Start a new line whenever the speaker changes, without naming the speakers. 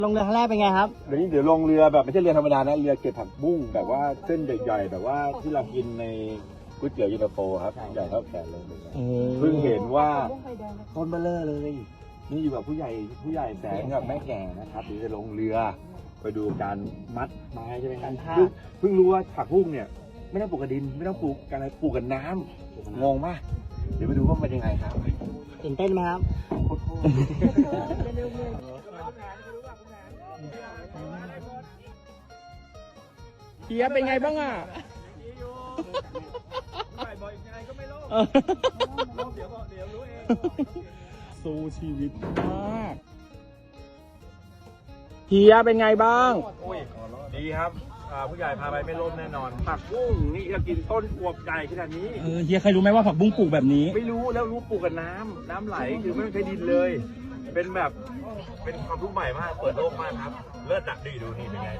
ลงเรือครั้งแรกเป็นไงครับ
เดี๋ยวลงเรือแบบไม่ใช่เรือธรรมดานะเรือเก็บผักบุ้งแบบว่าเส้นใหญ่ๆแบบว่าที่เรากินในก๋วยเตี๋ยวเย็นตาโฟครับใหญ่เท่าแขนเลยเพิ่งเห็นว่าต้นเบลเลอร์เลยนี่อยู่กับผู้ใหญ่แสนกับแม่แก่นะครับเดี๋ยวจะลงเรือไปดูการมัดไม้ใช่ไหมครับเพิ่งรู้ว่าผักบุ้งเนี่ยไม่ต้องปลูกกับดินไม่ต้องปลูกกันอะไรปลูกกับน้ำงงมากเดี๋ยวไปดูว่ามันเป็นยังไงครับ
ตื่นเต้นไหมครับ
เฮียเป็นไงบ้างอ่ะสู้ชีวิตมากเฮียเป็นไงบ้าง
ดีครับผู้ใหญ่พาไปไม่ล้มแน่นอนผักบุ้งนี่จะกินต้นอวบใหญ่ขนาดนี้
เฮียเคยรู้ไหมว่าผักบุ้งปลูกแบบนี้
ไม่รู้แล้วรู้ปลูกกับน้ำไหลคือไม่ต้องใช้ดินเลย เป็นความรู้ใหม่มากเปิดโลกมากครับเลิศดักดีดูนี่เป็นไง